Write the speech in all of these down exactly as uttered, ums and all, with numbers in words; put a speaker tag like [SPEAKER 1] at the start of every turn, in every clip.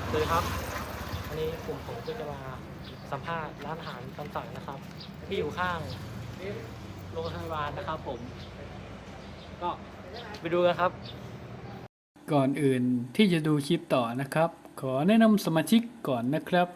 [SPEAKER 1] สวัสดีครับวันนี้กลุ่มผมก็จะมาสัมภาษณ์ร้านอาหารตามสั่งนะครับที่อยู่ข้างโรงพยาบาลนะครับผมก็ไปดูกันครับ
[SPEAKER 2] ก่อนอื่นที่จะดูคลิปต่อนะครับขอแนะนำสมาชิกก่อนนะครับ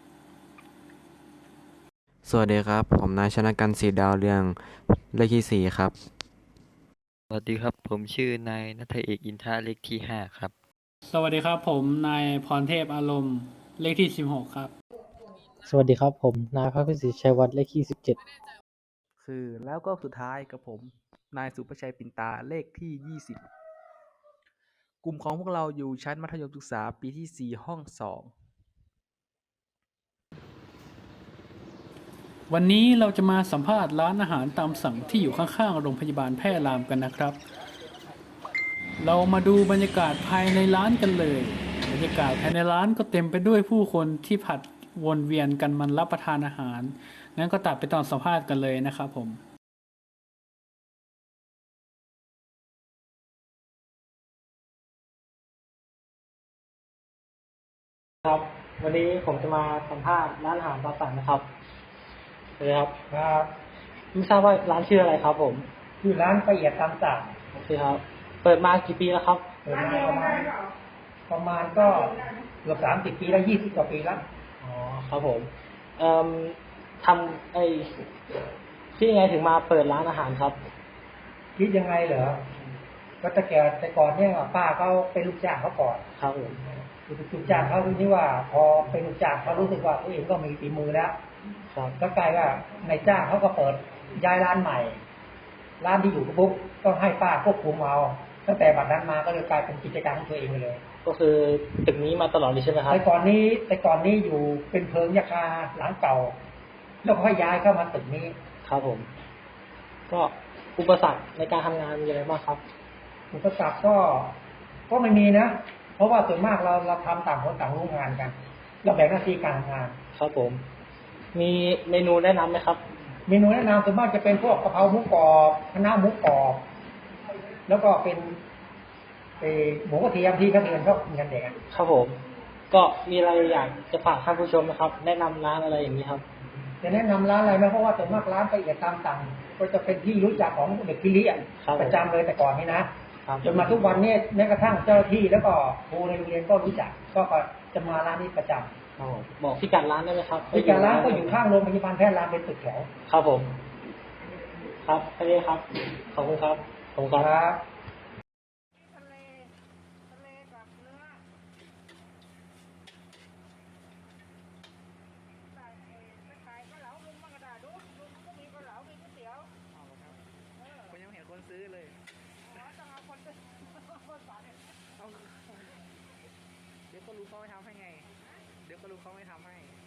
[SPEAKER 3] สวัสดีครับผมนายชนะกันต์ ศรีดาวเรืองเลขที่สี่ครับ
[SPEAKER 4] สวัสดีครับผมชื่อนายณัฐเอกอินทระเลขที่ห้าครับ
[SPEAKER 2] สวัสดีครับผมนายพรเทพอารมณ์เลขที่สิบหกครับ
[SPEAKER 1] สวัสดีครับผมนายพระพิสิทธิ์ชัยวัฒน์เลขที่สิบเจ็ด
[SPEAKER 5] คือแล้วก็สุดท้ายกับผมนายสุประชัยปิ่นตาเลขที่ยี่สิบกลุ่มของพวกเราอยู่ชั้นมัธยมศึกษาปีที่สี่ห้องสอง
[SPEAKER 2] วันนี้เราจะมาสัมภาษณ์ร้านอาหารตามสั่งที่อยู่ข้างๆโรงพยาบาลแพร่รามกันนะครับเรามาดูบรรยากาศภายในร้านกันเลยบรรยากาศภายในร้านก็เต็มไปด้วยผู้คนที่ผัดวนเวียนกันมันรับประทานอาหารงั้นก็ตัดไปตอนสัมภาษณ์กันเลยนะครับผม
[SPEAKER 1] ครับวันนี้ผมจะมาสัมภาษณ์ร้านอาหารตามสั่งนะครับเลยครับครับไม่ทราบว่าร้านชื่ออะไรครับผมชื่อร้านละเอียดตามสั่งโอเคครับเปิดมากี่ปีแล้วครับเปิดมาประมาณประมาณก็เกือบสามสิบปีแล้วยี่สิบกว่าปีแล้วอ๋อครับผมเอ่อทำไอ้คิดยังไงถึงมาเปิดร้านอาหารครับคิดยังไงเหรอก็แต่แก่แต่ก่อนเนี่ยป้าเขาเป็นลูกจ้างเขาก่อนครับผมลูกจ้างเขาทีนี้ว่า พอเป็นลูกจ้างเขารู้สึกว่าตัวเองก็มีฝีมือแล้วครับก็กลายว่านายจ้างเขาก็เปิดย้ายร้านใหม่ ร้านที่อยู่ปุ๊บก็ให้ป้าควบคุมเอาตั้งแต่บัดนั้นมาก็เลยกลายเป็นกิจการของตัวเองไปเลย ก็คือตึกนี้มาตลอดเลยใช่ไหมครับแต่ก่อนนี้แต่ก่อนนี้อยู่เป็นเพิงยาคาหลังเก่าแล้วก็ย้ายเข้ามาตึกนี้ครับผม ก็อุปสรรคในการทำงานมีอะไรบ้างครับ อุปสรรคก็ก็ไม่มีนะเพราะว่าส่วนมากเราเราทำต่างคนต่างรู้งานกันเราแบ่งหน้าที่การทำงานครับผม มีเมนูแนะนำไหมครับ เมนูแนะนำส่วนมากจะเป็นพวกกะเพราหมูกรอบคะน้าหมูกรอบแล้วก็เป็นเออหมูกระเทียมที่เขาเรียนเขากินกันเด็กครับผม ก็มีอะไรอยากจะฝากท่านผู้ชมนะครับ แนะนำร้านอะไรอย่างนี้ครับจะแนะนำร้านอะไรไหมเพราะว่าส่วนมากร้านละเอียดตามสั่งก็จะเป็นที่รู้จักของเด็กที่เรียนประจำเลยแต่ก่อนนี้นะจนมาทุกวันนี้แม้กระทั่งเจ้าที่แล้วก็ครูในโรงเรียนก็รู้จักก็จะมาร้านนี้ประจำบอกพิกัดร้านได้ไหมครับพิกัดร้านก็อยู่ข้างโรงพยาบาลแพทย์รามเป็นตึกแถวครับผม ครับแค่นี้ครับขอบคุณครับขอบคุณครับ
[SPEAKER 5] ผมยังเห็นคนซื้อเลยเอาเดี๋ยวก็รู้เขาไม่ทำให้ไงเดี๋ยวก็รู้เขาไม่ทำให้